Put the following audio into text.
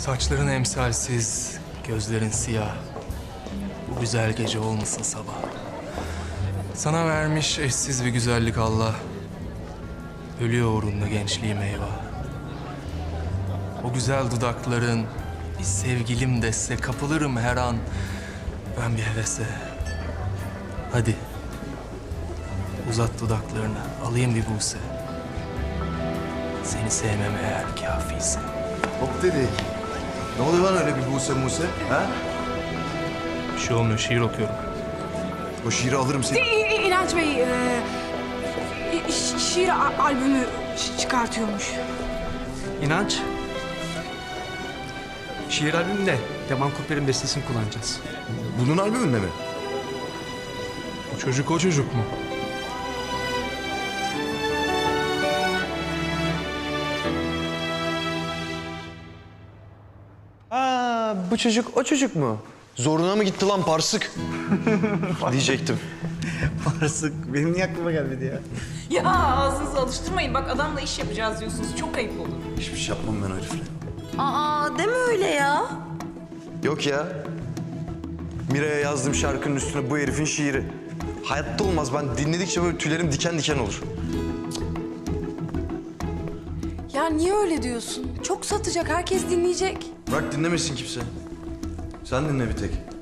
Saçların emsalsiz, gözlerin siyah. Bu güzel gece olmasın sabah. Sana vermiş eşsiz bir güzellik Allah. Ölüyor uğrunda gençliğim eyvah. O güzel dudakların bir sevgilim dese kapılırım her an. Ben bir hevese. Hadi. Uzat dudaklarını, alayım bir buse. Seni sevmem eğer kâfiyse. Hop dedik. Ne oluyor lan öyle bir Buse Muse? Ha? Bir şey olmuyor, şiir okuyorum. O şiiri alırım seni. İnanç Bey, şiir albümü çıkartıyormuş. İnanç. Şiir albümünde Yaman Kurper'in bestesini kullanacağız. Bunun albümünde mi? O çocuk mu? Aa, bu çocuk o çocuk mu? Zoruna mı gitti lan parsık? Diyecektim. Parasık. Benim niye aklıma gelmedi ya? Ya ağzınızı alıştırmayın. Bak adamla iş yapacağız diyorsunuz. Çok ayıp olur. Hiçbir şey yapmam ben o herifle. Aa deme öyle ya. Yok ya. Mira'ya yazdığım şarkının üstüne bu herifin şiiri. Hayatta olmaz. Ben dinledikçe böyle tüylerim diken diken olur. Ya niye öyle diyorsun? Çok satacak, herkes dinleyecek. Bırak dinlemesin kimse. Sen dinle bir tek.